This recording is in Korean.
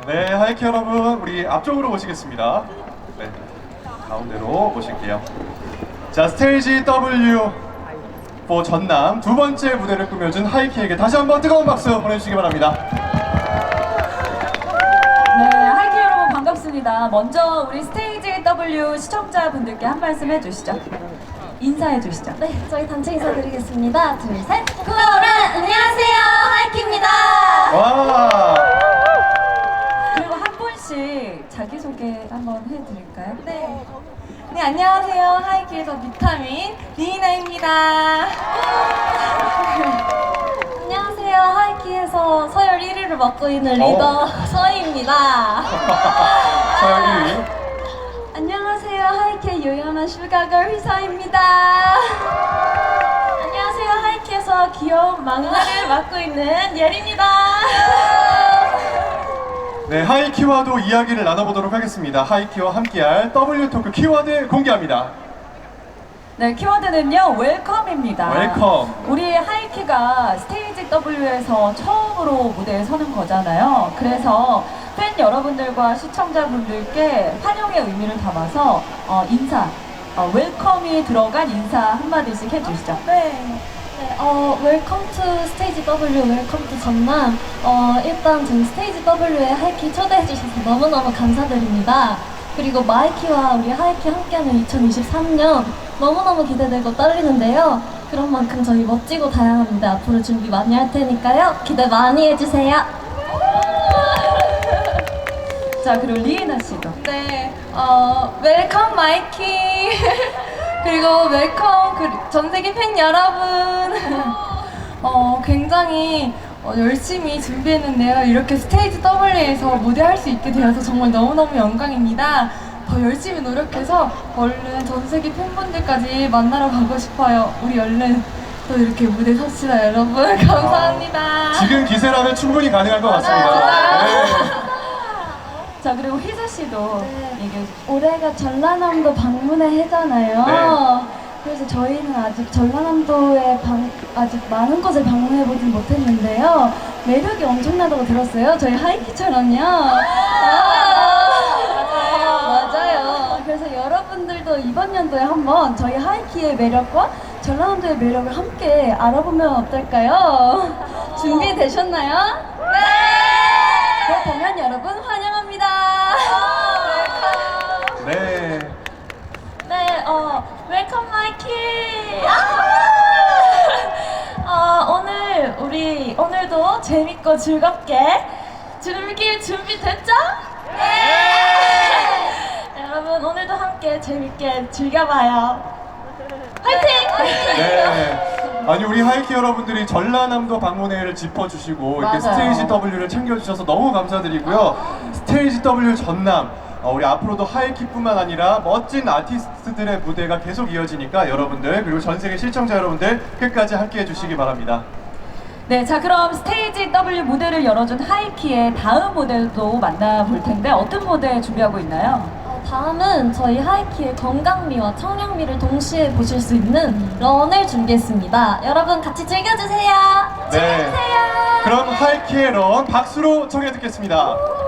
네, 하이키 여러분, 우리 앞쪽으로 모시겠습니다. 네, 가운데로 모실게요. 자, 스테이지 W 전남 두 번째 무대를 꾸며준 하이키에게 다시 한번 뜨거운 박수 보내주시기 바랍니다. 네, 하이키 여러분 반갑습니다. 먼저 우리 스테이지 W 시청자분들께 한 말씀 해주시죠. 인사해 주시죠. 네, 저희 단체 인사드리겠습니다. 둘, 셋. 구호란 안녕하세요, 하이키입니다. 와, 그리고 한 분씩 자기소개 한번 해드릴까요? 네. 네, 안녕하세요, 하이키에서 비타민 리이나입니다. 안녕하세요, 하이키에서 서열 1위를 맡고 있는 리더 서희입니다. 서열 1위. 안녕하세요, 하이키의 요염한 슈가걸 휘서입니다. 안녕하세요, 하이키에서 귀여운 막내를 맡고 있는 예리입니다. 네, 하이키와도 이야기를 나눠보도록 하겠습니다. 하이키와 함께할 W토크 키워드 공개합니다. 네, 키워드는요, 웰컴입니다. 웰컴. 우리 하이키가 스테이지 W에서 처음으로 무대에 서는 거잖아요. 그래서 팬 여러분들과 시청자분들께 환영의 의미를 담아서 인사, 웰컴이 들어간 인사 한마디씩 해주시죠. 네. 웰컴 투 스테이지 W, 웰컴 투 전남. 일단 저희 스테이지 W에 하이키 초대해 주셔서 너무너무 감사드립니다. 그리고 마이키와 우리 하이키 함께하는 2023년 너무너무 기대되고 떨리는데요. 그런 만큼 저희 멋지고 다양한 무대 앞으로 준비 많이 할 테니까요. 기대 많이 해주세요. 자, 그리고 리에나 씨도. 네, 웰컴 마이키. 그리고 웰컴 전 세계 팬 여러분. 굉장히 열심히 준비했는데요. 이렇게 스테이지 W에서 무대할 수 있게 되어서 정말 너무너무 영광입니다. 더 열심히 노력해서 얼른 전 세계 팬분들까지 만나러 가고 싶어요. 우리 얼른 또 이렇게 무대 섭시다, 여러분. 감사합니다. 지금 기세라면 충분히 가능할 것 같습니다. 맞아요. 네. 자, 그리고 휘서 씨도 얘기해 주시죠. 올해가 전라남도 방문의 해잖아요. 네. 그래서 저희는 아직 전라남도에 아직 많은 곳을 방문해보진 못했는데요. 매력이 엄청나다고 들었어요. 저희 하이키처럼요. 맞아요. 그래서 여러분들도 이번 연도에 한번 저희 하이키의 매력과 전라남도의 매력을 함께 알아보면 어떨까요? 준비되셨나요? 네! 그렇다면 여러분 환영합니다. 네. 네, 웰컴 마이키. 오늘도 재밌고 즐겁게 즐길 준비 됐죠? 네. 여러분 오늘도 함께 재밌게 즐겨봐요. 화이팅! 네. 아니, 우리 하이키 여러분들이 전라남도 방문회를 짚어주시고 이렇게 맞아요. 스테이지 W를 챙겨주셔서 너무 감사드리고요. 스테이지 W 전남, 우리 앞으로도 하이키뿐만 아니라 멋진 아티스트들의 무대가 계속 이어지니까 여러분들, 그리고 전 세계 시청자 여러분들 끝까지 함께 해주시기 바랍니다. 네, 자, 그럼 스테이지 W 무대를 열어준 하이키의 다음 무대도 만나볼 텐데 어떤 무대 준비하고 있나요? 다음은 저희 하이키의 건강미와 청량미를 동시에 보실 수 있는 런을 준비했습니다. 여러분 같이 즐겨주세요. 네. 그럼 하이키의 런 박수로 청해 듣겠습니다.